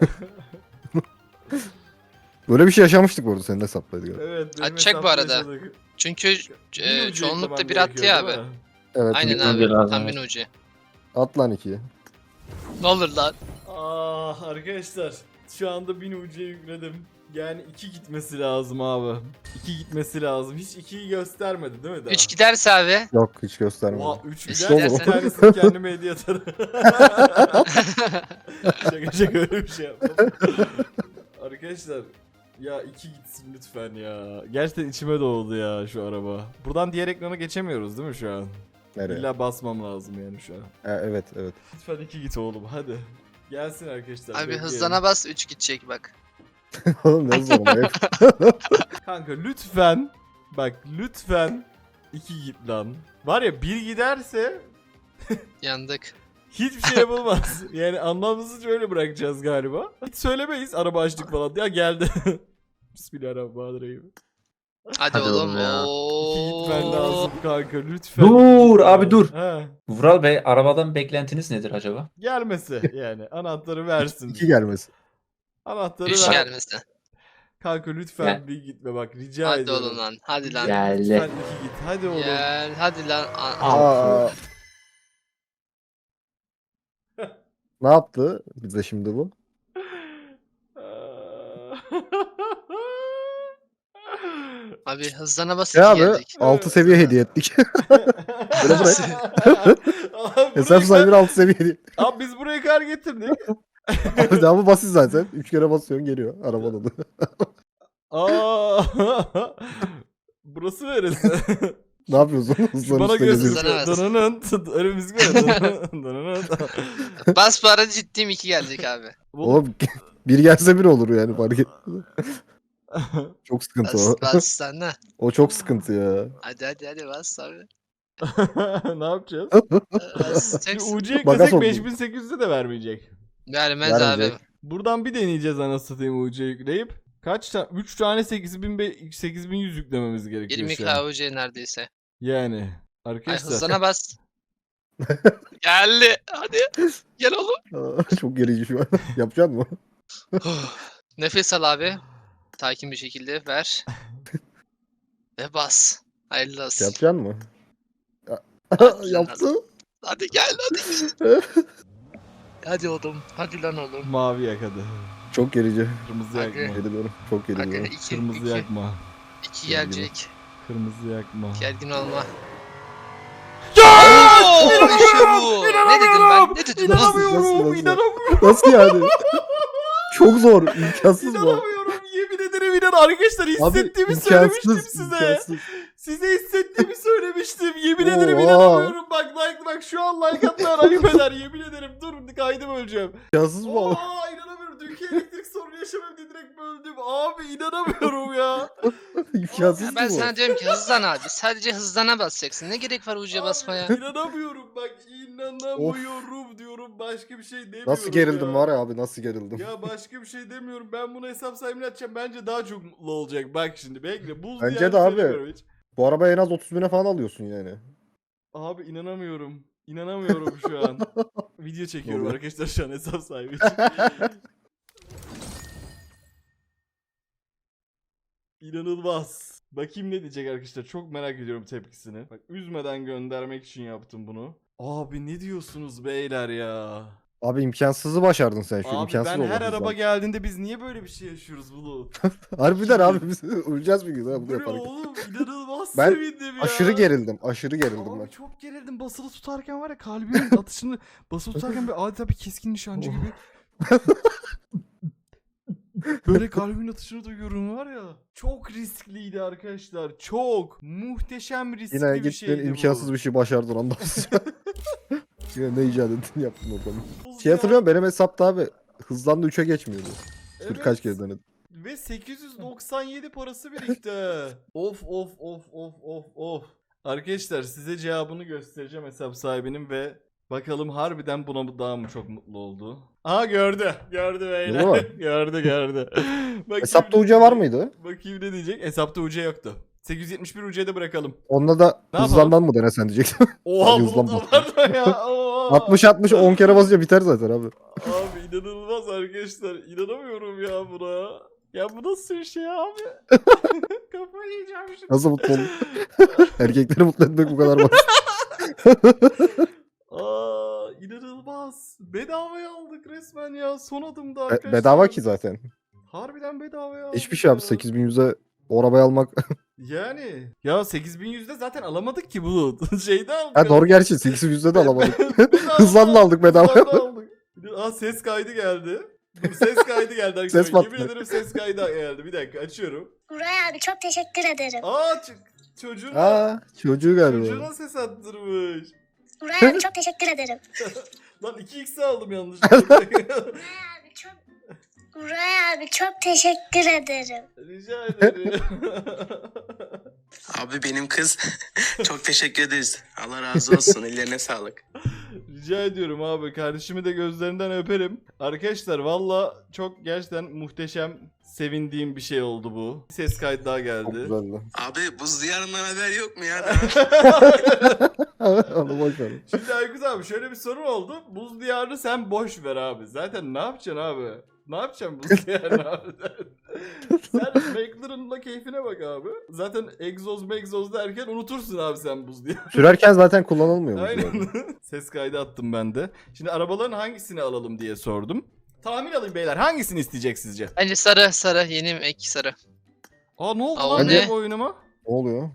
[SPEAKER 2] Böyle bir şey yaşamıştık bu arada, senin hesaplaydı galiba.
[SPEAKER 1] Evet. benim
[SPEAKER 4] Atacak bu
[SPEAKER 1] hesapta
[SPEAKER 4] arada.
[SPEAKER 1] yaşadık.
[SPEAKER 4] Çünkü
[SPEAKER 1] Bir ucu
[SPEAKER 4] çoğunlukla
[SPEAKER 1] eklemem
[SPEAKER 4] bir attı ya
[SPEAKER 1] gerekiyor,
[SPEAKER 4] abi.
[SPEAKER 1] değil mi?
[SPEAKER 2] Evet.
[SPEAKER 4] Aynen
[SPEAKER 3] bir
[SPEAKER 4] abi.
[SPEAKER 3] ucu lazım,
[SPEAKER 4] Tam
[SPEAKER 3] evet.
[SPEAKER 4] bir ucu.
[SPEAKER 2] At lan 2'yi.
[SPEAKER 4] Ne olur lan.
[SPEAKER 1] Ah arkadaşlar, şu anda 1000 ucuya yükledim. Yani 2 gitmesi lazım abi. 2 gitmesi lazım. Hiç 2'yi göstermedi değil mi daha?
[SPEAKER 4] 3 giderse abi.
[SPEAKER 2] Yok, hiç göstermedi.
[SPEAKER 1] Oha 3
[SPEAKER 4] Üç
[SPEAKER 1] gider, bir
[SPEAKER 4] giderse-
[SPEAKER 1] tanesini kendime hediye atarım. şaka öyle bir şey yapmam. Arkadaşlar ya 2 gitsin lütfen ya. Gerçekten içime doğdu ya şu araba. Buradan diğer ekrana geçemiyoruz değil mi şu an?
[SPEAKER 2] Nereye?
[SPEAKER 1] İlla basmam lazım yani şu an.
[SPEAKER 2] Evet, evet.
[SPEAKER 1] Lütfen 2 git oğlum hadi. Gelsin arkadaşlar.
[SPEAKER 4] Abi
[SPEAKER 1] bekleyelim.
[SPEAKER 4] hızlana bas 3 gidecek bak.
[SPEAKER 2] Oğlum ne zor ama.
[SPEAKER 1] Kanka lütfen. Bak lütfen 2 git lan. Var ya 1 giderse
[SPEAKER 4] Yandık.
[SPEAKER 1] hiçbir şey yapılmaz. Yani anlamsızca öyle bırakacağız galiba. Hiç söylemeyiz araba açtık falan. Ya geldi. Bismillahirrahmanirrahim.
[SPEAKER 4] Hadi,
[SPEAKER 3] Hadi
[SPEAKER 4] oğlum.
[SPEAKER 3] oğlum ya.
[SPEAKER 1] 2 gitmen lazım kanka lütfen.
[SPEAKER 3] Dur abi dur.
[SPEAKER 1] Ha.
[SPEAKER 3] Vural Bey arabadan beklentiniz nedir acaba?
[SPEAKER 1] Gelmesi yani anahtarı versin.
[SPEAKER 2] 2 gelmesi.
[SPEAKER 1] Anahtarı
[SPEAKER 4] 3
[SPEAKER 1] ver.
[SPEAKER 4] gelmesin.
[SPEAKER 1] Kanka lütfen
[SPEAKER 3] Gel.
[SPEAKER 1] bir gitme bak rica
[SPEAKER 4] Hadi
[SPEAKER 1] ediyorum.
[SPEAKER 4] oğlum lan. Hadi lan.
[SPEAKER 3] Gel.
[SPEAKER 1] Lütfen 2 git hadi oğlum.
[SPEAKER 4] Gel. Hadi lan.
[SPEAKER 2] Aa. Ne yaptı bize şimdi bu?
[SPEAKER 4] Abi hızlana bas 2
[SPEAKER 2] Ya abi
[SPEAKER 4] geldik.
[SPEAKER 2] 6 seviye hediye ettik. Böyle bırak.
[SPEAKER 1] Abi,
[SPEAKER 2] Hesap sahibi 6 seviye hediye.
[SPEAKER 1] Abi biz buraya kar getirdik.
[SPEAKER 2] Abi devamı basit zaten. 3 kere basıyorsun geliyor. Araba dolu.
[SPEAKER 1] Aa. Burası neresi?
[SPEAKER 2] Ne yapıyorsun? Hızlan
[SPEAKER 1] Bana
[SPEAKER 2] üstüne geziyorsun.
[SPEAKER 4] göster.
[SPEAKER 1] göster. Dananın. Öyle müzik var. Dananın.
[SPEAKER 4] Bas bu arada ciddiyim 2 gelecek abi.
[SPEAKER 2] Oğlum bir gelse bir olur yani, fark et. Çok sıkıntı
[SPEAKER 4] Bas
[SPEAKER 2] o.
[SPEAKER 4] bas sana.
[SPEAKER 2] O çok sıkıntı ya.
[SPEAKER 4] Hadi bas abi.
[SPEAKER 1] Ne yapacağız?
[SPEAKER 4] Bas.
[SPEAKER 1] Şimdi
[SPEAKER 4] Çeksin.
[SPEAKER 1] UC'ye
[SPEAKER 2] Makas
[SPEAKER 1] yüklesek
[SPEAKER 2] oldu.
[SPEAKER 1] 5800'de de vermeyecek.
[SPEAKER 4] Vermez abi.
[SPEAKER 2] Vermeyecek.
[SPEAKER 1] Buradan bir deneyeceğiz anasını satayım UC'ye yükleyip. Kaç tane? 3 tane 8100 yüklememiz gerekiyor
[SPEAKER 4] 20
[SPEAKER 1] şu an.
[SPEAKER 4] KUC neredeyse.
[SPEAKER 1] Yani.
[SPEAKER 4] Ay
[SPEAKER 1] Arkadaşlar.
[SPEAKER 4] hızlana bas. Geldi. Hadi. Gel oğlum.
[SPEAKER 2] Çok gerici şu an. Yapacak mı?
[SPEAKER 4] Nefes al abi. Sakin bir şekilde ver. Ve bas. Hayırlı olsun.
[SPEAKER 2] Yapacak mı? Yaptı.
[SPEAKER 4] Hadi gel hadi. Hadi oğlum. Hadi lan oğlum.
[SPEAKER 1] Mavi yak hadi.
[SPEAKER 2] Çok gerici.
[SPEAKER 1] Kırmızı
[SPEAKER 4] Hadi.
[SPEAKER 1] yakma.
[SPEAKER 2] Geri çok
[SPEAKER 4] Hadi
[SPEAKER 2] gerici.
[SPEAKER 4] 2
[SPEAKER 1] Kırmızı yakma.
[SPEAKER 4] 2 gelecek.
[SPEAKER 1] Kırmızı yakma.
[SPEAKER 4] Gergin olma.
[SPEAKER 1] Ya!
[SPEAKER 4] Oo, işte bu. Ne dedim ben? Ne dedim?
[SPEAKER 1] İnanamıyorum.
[SPEAKER 2] Nasıl?
[SPEAKER 1] İnanamıyorum.
[SPEAKER 2] Nasıl yani? Çok zor. İmkansız bu.
[SPEAKER 1] İnanamıyorum. Yemin ederim arkadaşlar hissettiğimi
[SPEAKER 2] Abi,
[SPEAKER 1] söylemiştim
[SPEAKER 2] imkansız,
[SPEAKER 1] size.
[SPEAKER 2] imkansız.
[SPEAKER 1] Size hissettiğimi söylemiştim. Yemin ederim
[SPEAKER 2] Oha.
[SPEAKER 1] inanamıyorum. Bak şu an like atmayan ayıp eder. Yemin ederim. Dur kaydım öleceğim.
[SPEAKER 2] İmkansız bu.
[SPEAKER 1] Aa inanamıyorum. Dünkü elektrik sorunu yaşamam diye direkt böldüm. Abi inanamıyorum ya.
[SPEAKER 2] İmkansız
[SPEAKER 4] Ya
[SPEAKER 2] ki
[SPEAKER 4] ben
[SPEAKER 2] bu.
[SPEAKER 4] sana diyorum ki hızlan abi. Sadece hızlana basacaksın. Ne gerek var ucuya basmaya?
[SPEAKER 1] Abi, inanamıyorum bak inanamıyorum diyorum. Başka bir şey demiyorum.
[SPEAKER 2] Nasıl gerildim
[SPEAKER 1] ya.
[SPEAKER 2] var ya abi, nasıl gerildim.
[SPEAKER 1] Ya başka bir şey demiyorum. Ben bunu hesap sahibine atacağım. Bence daha çok mutlu olacak. Bak şimdi bekle. Buz
[SPEAKER 2] Bence
[SPEAKER 1] diyarı
[SPEAKER 2] de abi.
[SPEAKER 1] söylemiyorum hiç.
[SPEAKER 2] Bu arabaya en az 30 bine falan alıyorsun yani.
[SPEAKER 1] Abi inanamıyorum. İnanamıyorum şu an. Video çekiyorum
[SPEAKER 2] oluyor?
[SPEAKER 1] arkadaşlar şu an hesap sahibi için. İnanılmaz. Bakayım ne diyecek arkadaşlar. Çok merak ediyorum tepkisini. Bak üzmeden göndermek için yaptım bunu. Abi ne diyorsunuz beyler ya?
[SPEAKER 2] Abi imkansızı başardın sen şu
[SPEAKER 1] Abi
[SPEAKER 2] imkansız
[SPEAKER 1] ben
[SPEAKER 2] oldu
[SPEAKER 1] her araba
[SPEAKER 2] zaten.
[SPEAKER 1] geldiğinde biz niye böyle bir şey yaşıyoruz bunu?
[SPEAKER 2] Harbiden abi biz öleceğiz bir gün ha bunu
[SPEAKER 1] Bu ne
[SPEAKER 2] yaparken.
[SPEAKER 1] oğlum inanılmaz
[SPEAKER 2] Ben
[SPEAKER 1] sevindim ya.
[SPEAKER 2] Aşırı gerildim. Aşırı gerildim
[SPEAKER 1] Abi
[SPEAKER 2] ben.
[SPEAKER 1] çok gerildim. Basılı tutarken var ya kalbimin atışını basılı tutarken bir adeta bir keskin nişancı gibi. Böyle kalbimin atışını duyuyorum var ya. Çok riskliydi arkadaşlar. Çok muhteşem riskli
[SPEAKER 2] Yine
[SPEAKER 1] bir
[SPEAKER 2] gittin
[SPEAKER 1] şeydi
[SPEAKER 2] imkansız
[SPEAKER 1] bu.
[SPEAKER 2] bir şey başardın ondan sonra. Yine ne icat ettin yaptın oradan.
[SPEAKER 1] Buz
[SPEAKER 2] Şey
[SPEAKER 1] ya.
[SPEAKER 2] hatırlıyorum, benim hesapta abi hızlandı 3'e geçmiyordu. Dur kaç kere denedim.
[SPEAKER 1] Ve 897 parası birikti. Of of of of of of. Arkadaşlar size cevabını göstereceğim hesap sahibinin ve bakalım harbiden buna daha mı çok mutlu oldu? Aha gördü. Gördü
[SPEAKER 2] Değil
[SPEAKER 1] beyler.
[SPEAKER 2] mi?
[SPEAKER 1] gördü. Bakayım
[SPEAKER 2] Hesapta
[SPEAKER 1] ne
[SPEAKER 2] UC var
[SPEAKER 1] diyecek.
[SPEAKER 2] mıydı?
[SPEAKER 1] Bakayım ne diyecek. Hesapta UC yoktu. 871 UC'de bırakalım.
[SPEAKER 2] Onda da
[SPEAKER 1] Ne
[SPEAKER 2] hızlandan mı denesen diyecektim.
[SPEAKER 1] Oha
[SPEAKER 2] Hadi
[SPEAKER 1] bulut
[SPEAKER 2] hızlan bak.
[SPEAKER 1] abartma ya. Oha.
[SPEAKER 2] 60 10 kere basınca biter zaten abi.
[SPEAKER 1] Abi inanılmaz arkadaşlar. İnanamıyorum ya buna. Ya bu nasıl bir şey abi? Kafayı yiyeceğim şimdi.
[SPEAKER 2] Nasıl mutlu oldun? Erkekleri mutlu etmek bu kadar basit.
[SPEAKER 1] Aa inanılmaz. Bedavaya aldık resmen ya. Son adımda arkadaşlar.
[SPEAKER 2] Bedava ki zaten.
[SPEAKER 1] Harbiden bedavaya aldık.
[SPEAKER 2] Hiçbir şey abi
[SPEAKER 1] ya.
[SPEAKER 2] 8100'e o arabayı almak.
[SPEAKER 1] Yani. Ya 8100'de zaten alamadık ki bunu. Şeyde aldık.
[SPEAKER 2] Ha doğru gerçi 8100'de de alamadık.
[SPEAKER 1] Bedava
[SPEAKER 2] Hızlanla aldık bedava.
[SPEAKER 1] Hızlanla aldık. Aa ses kaydı geldi. Dur, ses kaydı geldi arkadaşlar.
[SPEAKER 2] Ses patladı.
[SPEAKER 1] Yemin ederim ses kaydı geldi. Bir dakika açıyorum.
[SPEAKER 5] Nuray abi çok teşekkür ederim.
[SPEAKER 1] Aa çocuğuna,
[SPEAKER 2] Aa çocuğu galiba.
[SPEAKER 1] çocuğuna ses attırmış.
[SPEAKER 5] Nuray abi çok teşekkür ederim.
[SPEAKER 1] Lan 2x'i aldım yanlışlıkla.
[SPEAKER 5] Nuray abi çok Nuray abi çok teşekkür ederim.
[SPEAKER 1] Rica ederim.
[SPEAKER 6] Abi benim kız çok teşekkür ederiz. Allah razı olsun. Ellerine sağlık.
[SPEAKER 1] Rica ediyorum abi. Kardeşimi de gözlerinden öperim. Arkadaşlar valla çok gerçekten muhteşem, sevindiğim bir şey oldu bu. Ses kaydı daha
[SPEAKER 2] Çok
[SPEAKER 1] geldi.
[SPEAKER 2] güzeldi.
[SPEAKER 6] Abi buz diyarından haber yok mu ya?
[SPEAKER 2] Onu boş ver.
[SPEAKER 1] Şimdi Aykut abi şöyle bir sorun oldu. Buz diyarını sen boş ver abi. Zaten ne yapacaksın abi? Ne yapacaksın buz diyarını abi? Sen McLaren'la keyfine bak abi. Zaten egzoz derken unutursun abi sen buz diyarını.
[SPEAKER 2] Sürerken zaten kullanılmıyor.
[SPEAKER 1] Aynen. Ses kaydı attım ben de. Şimdi arabaların hangisini alalım diye sordum. Tahmin alayım beyler. Hangisini isteyecek sizce?
[SPEAKER 4] Bence sarı. Yeni ek sarı.
[SPEAKER 1] Aa ne oldu
[SPEAKER 4] Aa,
[SPEAKER 1] lan
[SPEAKER 4] o
[SPEAKER 1] benim
[SPEAKER 4] ne?
[SPEAKER 1] oyunuma?
[SPEAKER 2] Ne oluyor?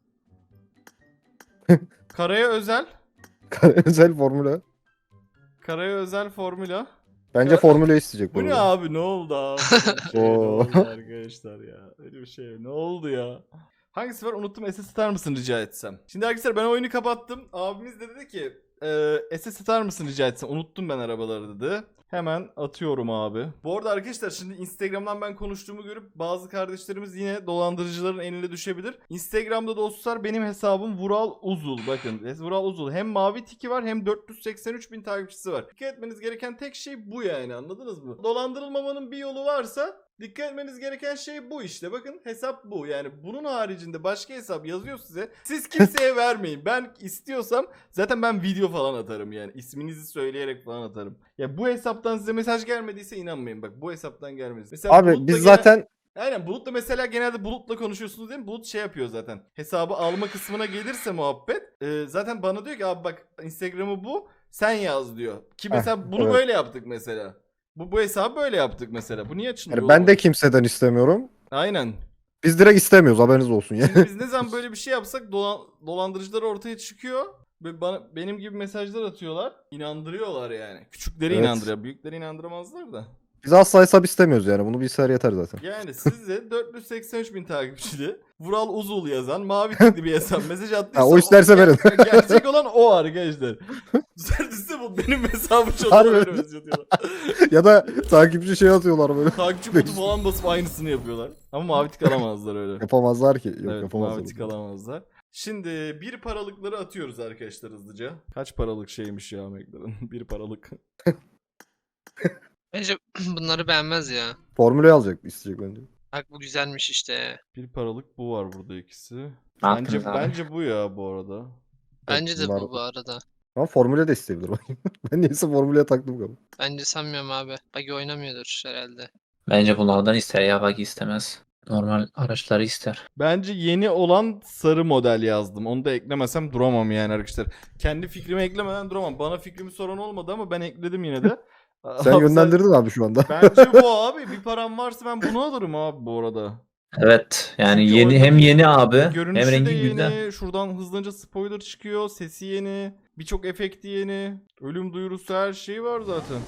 [SPEAKER 1] Karaya özel.
[SPEAKER 2] Özel formüle.
[SPEAKER 1] Karaya özel formüla.
[SPEAKER 2] Bence formüle isteyecek
[SPEAKER 1] Bu ne
[SPEAKER 2] arada.
[SPEAKER 1] abi? Ne oldu abi? Ne
[SPEAKER 2] Oo.
[SPEAKER 1] oldu arkadaşlar ya? Öyle bir şey. Ne oldu ya? Hangisi var? Unuttum. SS atar mısın rica etsem? Şimdi arkadaşlar ben oyunu kapattım. Abimiz de dedi ki SS atar mısın rica etsem? Unuttum ben arabaları dedi. Hemen atıyorum abi. Bu arada arkadaşlar şimdi Instagram'dan ben konuştuğumu görüp bazı kardeşlerimiz yine dolandırıcıların eline düşebilir. Instagram'da dostlar benim hesabım Vural Uzul. Bakın Vural Uzul. Hem mavi tiki var hem 483 bin takipçisi var. Dikkat etmeniz gereken tek şey bu yani, anladınız mı? Dolandırılmamanın bir yolu varsa dikkat etmeniz gereken şey bu işte. Bakın hesap bu. Yani bunun haricinde başka hesap yazıyor size. Siz kimseye vermeyin. Ben istiyorsam zaten ben video falan atarım yani. İsminizi söyleyerek falan atarım. Ya bu hesaptan size mesaj gelmediyse inanmayın. Bak bu hesaptan gelmez. Mesela
[SPEAKER 2] Abi
[SPEAKER 1] Bulut'la
[SPEAKER 2] biz
[SPEAKER 1] gene-
[SPEAKER 2] zaten
[SPEAKER 1] Aynen Bulut'la mesela genelde Bulut'la konuşuyorsunuz değil mi? Bulut şey yapıyor zaten. Hesabı alma kısmına gelirse muhabbet. Zaten bana diyor ki abi bak Instagram'ı bu. Sen yaz diyor. Ki mesela bunu
[SPEAKER 2] evet.
[SPEAKER 1] böyle yaptık mesela. Bu hesabı böyle yaptık mesela. Bu niye açılıyor?
[SPEAKER 2] yani ben de
[SPEAKER 1] oğlum?
[SPEAKER 2] kimseden istemiyorum.
[SPEAKER 1] Aynen.
[SPEAKER 2] Biz direkt istemiyoruz haberiniz olsun ya.
[SPEAKER 1] Şimdi biz ne zaman böyle bir şey yapsak dolandırıcılar ortaya çıkıyor. Ve benim gibi mesajlar atıyorlar. İnandırıyorlar yani. Küçükleri
[SPEAKER 2] Evet.
[SPEAKER 1] inandırıyor. Büyükleri inandıramazlar da.
[SPEAKER 2] Biz asla hesap istemiyoruz yani. Bunu bilgisayar yeter zaten.
[SPEAKER 1] Yani size 483 bin takipçili Vural Uzul yazan mavi tikli bir hesap mesaj attıysa
[SPEAKER 2] Ha, o isterse verin.
[SPEAKER 1] Gerçek olan o arkadaşlar. Düzeltirse bu benim hesabım
[SPEAKER 2] Harbi.
[SPEAKER 1] çalıyor öyle mesaj atıyorlar.
[SPEAKER 2] Ya da takipçi şey atıyorlar böyle.
[SPEAKER 1] Takipçi kutu falan basıp aynısını yapıyorlar. Ama mavi tik alamazlar öyle.
[SPEAKER 2] Yapamazlar ki. Yok
[SPEAKER 1] Evet,
[SPEAKER 2] yapamazlar.
[SPEAKER 1] mavi tik alamazlar. Şimdi bir paralıkları atıyoruz arkadaşlar hızlıca. Kaç paralık şeymiş ya McLaren? Bir paralık.
[SPEAKER 4] Bence bunları beğenmez ya.
[SPEAKER 2] Formüle alacak isteyecek bence.
[SPEAKER 4] Bak bu güzelmiş işte.
[SPEAKER 1] Bir paralık bu var burada ikisi.
[SPEAKER 3] Ne
[SPEAKER 1] Bence
[SPEAKER 3] yaptınız abi?
[SPEAKER 1] bence bu ya bu arada.
[SPEAKER 4] Bence de
[SPEAKER 2] bunlar-
[SPEAKER 4] bu arada.
[SPEAKER 2] Ama formüle de isteyebilir bak. Ben neyse formüleye taktım galiba.
[SPEAKER 4] Bence sanmıyorum abi. Bagi oynamıyordur herhalde.
[SPEAKER 3] Bence bunlardan ister ya, bak istemez. Normal araçları ister.
[SPEAKER 1] Bence yeni olan sarı model yazdım. Onu da eklemesem duramam yani arkadaşlar. Kendi fikrimi eklemeden duramam. Bana fikrimi soran olmadı ama ben ekledim yine de.
[SPEAKER 2] Sen
[SPEAKER 1] Abi
[SPEAKER 2] yönlendirdin abi şu anda.
[SPEAKER 1] Bence bu abi. Bir param varsa ben bunu alırım abi bu arada.
[SPEAKER 3] Evet yani
[SPEAKER 1] Çünkü
[SPEAKER 3] yeni,
[SPEAKER 1] orada
[SPEAKER 3] hem yeni abi hem
[SPEAKER 1] Görünüşü de
[SPEAKER 3] rengi
[SPEAKER 1] yeni.
[SPEAKER 3] güzel.
[SPEAKER 1] Şuradan hızlıca spoiler çıkıyor. Sesi yeni. Birçok efekti yeni. Ölüm duyurusu her şeyi var zaten.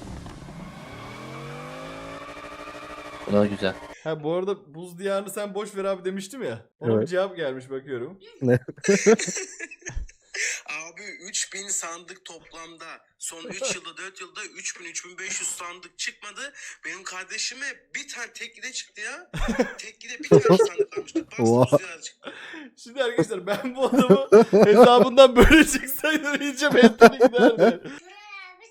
[SPEAKER 3] Bu da güzel.
[SPEAKER 1] Ha bu arada buz diyarını sen boş ver abi demiştim ya. Ona bir
[SPEAKER 2] Evet.
[SPEAKER 1] cevap gelmiş bakıyorum.
[SPEAKER 6] Abi Abi 3000 sandık toplamda. Son 3 yılda 4 yılda 3000-3500 sandık çıkmadı. Benim kardeşime bir tane teklide çıktı ya. Teklide bir tane sandık almıştık.
[SPEAKER 2] Oha.
[SPEAKER 6] Bastım rüzgar çıktı.
[SPEAKER 1] Şimdi arkadaşlar ben bu adamı hesabından böyle çıksaydım iyice mentali giderdi.
[SPEAKER 5] Buray abi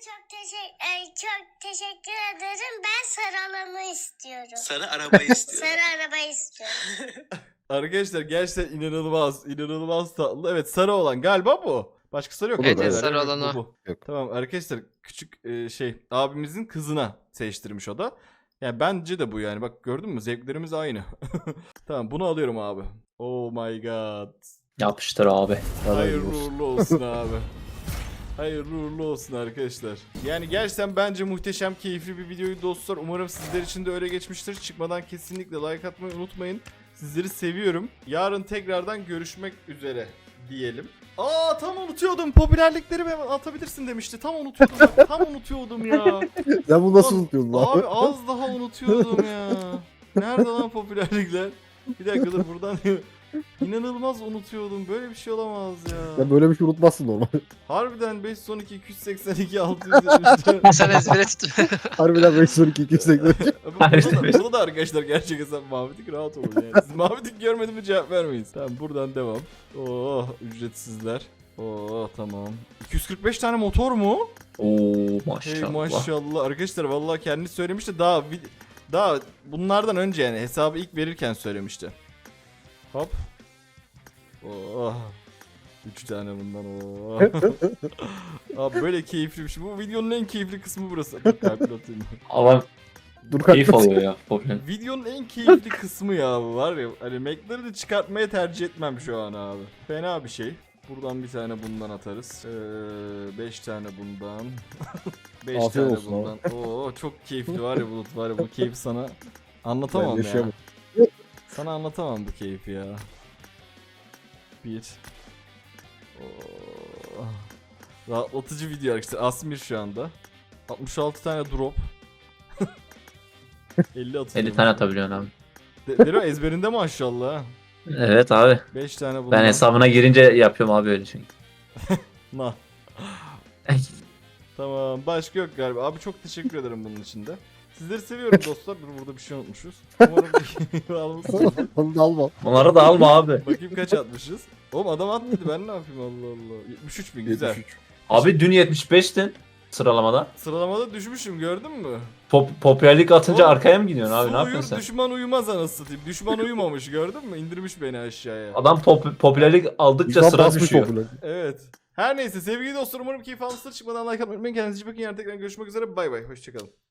[SPEAKER 5] çok teşekkür ederim. Ben sarı alanı istiyorum.
[SPEAKER 6] Sarı arabayı istiyor.
[SPEAKER 5] Sarı arabayı istiyorum.
[SPEAKER 1] Arkadaşlar gerçekten inanılmaz tatlı. Evet sarı olan galiba bu. Başka sarı yok.
[SPEAKER 2] Bu da
[SPEAKER 4] Evet,
[SPEAKER 2] da, evet.
[SPEAKER 4] sarı olan o.
[SPEAKER 1] Bu.
[SPEAKER 2] Yok.
[SPEAKER 1] Tamam arkadaşlar küçük abimizin kızına seçtirmiş o da. Yani bence de bu yani bak gördün mü zevklerimiz aynı. Tamam bunu alıyorum abi. Oh my god.
[SPEAKER 3] Yapıştır abi.
[SPEAKER 1] Hayırlı uğurlu olsun abi. Hayırlı uğurlu olsun arkadaşlar. Yani gerçekten bence muhteşem keyifli bir videoyu dostlar. Umarım sizler için de öyle geçmiştir. Çıkmadan kesinlikle like atmayı unutmayın. Sizleri seviyorum. Yarın tekrardan görüşmek üzere diyelim. Aa tam unutuyordum. Popülerlikleri hemen atabilirsin demişti. Tam unutuyordum. Tam unutuyordum ya.
[SPEAKER 2] Sen bunu nasıl unutuyorsun lan?
[SPEAKER 1] Abi az daha unutuyordum ya. Nerede lan popülerlikler? Bir dakika dur buradan. İnanılmaz unutuyordum. Böyle bir şey olamaz ya.
[SPEAKER 2] Sen böyle bir şey unutmazsın normal.
[SPEAKER 1] Harbiden 512 282 673.
[SPEAKER 4] Sen ezbere tut.
[SPEAKER 2] Harbiden 512 280.
[SPEAKER 1] Burada da arkadaşlar gerçek hesap Mavitik rahat olun yani. Siz Mavitik görmedi mi cevap vermeyin. Tamam buradan devam. Oh ücretsizler. Oh tamam. 245 tane motor mu?
[SPEAKER 3] Oo
[SPEAKER 1] Hey
[SPEAKER 3] maşallah.
[SPEAKER 1] maşallah. Arkadaşlar vallahi kendi söylemişti daha bunlardan önce yani hesabı ilk verirken söylemişti. Hop. Oh. 3 tane bundan oh. Abi böyle keyifli bir şey. Bu videonun en keyifli kısmı burası. Kalp atayım.
[SPEAKER 3] Ama
[SPEAKER 2] Dur
[SPEAKER 3] keyif
[SPEAKER 2] kanka.
[SPEAKER 3] oluyor ya. Popüler.
[SPEAKER 1] Videonun en keyifli kısmı ya bu var ya. Hani Mac'leri de çıkartmaya tercih etmem şu an abi. Fena bir şey. Buradan bir tane bundan atarız. 5 tane bundan. 5
[SPEAKER 2] Afiyet
[SPEAKER 1] tane
[SPEAKER 2] olsun
[SPEAKER 1] bundan. Oo çok keyifli var ya Bulut var ya bu keyfi sana anlatamam
[SPEAKER 2] Ben
[SPEAKER 1] ya.
[SPEAKER 2] yaşayamam.
[SPEAKER 1] Sana anlatamam bu keyfi ya. Bir. Oo. Rahatlatıcı video arkadaşlar. Asmir şu anda. 66 tane drop. 50 atıyor.
[SPEAKER 3] 50 tane atabiliyorsun abi.
[SPEAKER 1] Dero ezberinde maşallah. ha.
[SPEAKER 3] Evet abi.
[SPEAKER 1] 5 tane bundan.
[SPEAKER 3] Ben hesabına girince yapıyorum abi öyle çünkü.
[SPEAKER 1] Nah. Tamam başka yok galiba. Abi çok teşekkür ederim bunun için de. Sizleri seviyorum dostlar. Dur burada bir şey unutmuşuz. Umarım bir almışsınızdır.
[SPEAKER 2] Onu da alma.
[SPEAKER 3] Onları da alma abi.
[SPEAKER 1] Bakayım kaç atmışız. Oğlum adam atmadı ben ne yapayım Allah Allah. 73 bin güzel.
[SPEAKER 2] 73.
[SPEAKER 3] Abi dün 75'tin sıralamada.
[SPEAKER 1] Sıralamada düşmüşüm gördün mü?
[SPEAKER 3] Popülerlik atınca
[SPEAKER 1] Oğlum,
[SPEAKER 3] arkaya mı gidiyorsun abi
[SPEAKER 1] Su
[SPEAKER 3] ne yapıyorsun
[SPEAKER 1] uyur,
[SPEAKER 3] sen?
[SPEAKER 1] düşman uyumaz anasını satayım. Düşman uyumamış gördün mü? İndirmiş beni aşağıya.
[SPEAKER 3] Adam popülerlik aldıkça
[SPEAKER 2] Şu an
[SPEAKER 3] sıra
[SPEAKER 2] basmış
[SPEAKER 3] düşüyor.
[SPEAKER 2] popüler.
[SPEAKER 1] Evet. Her neyse sevgili dostlar umarım keyif almışsınız. Çıkmadan like atmayı unutmayın. Kendinize iyi bakın. Yarın tekrar görüşmek üzere. Bay bay. Hoşçakalın.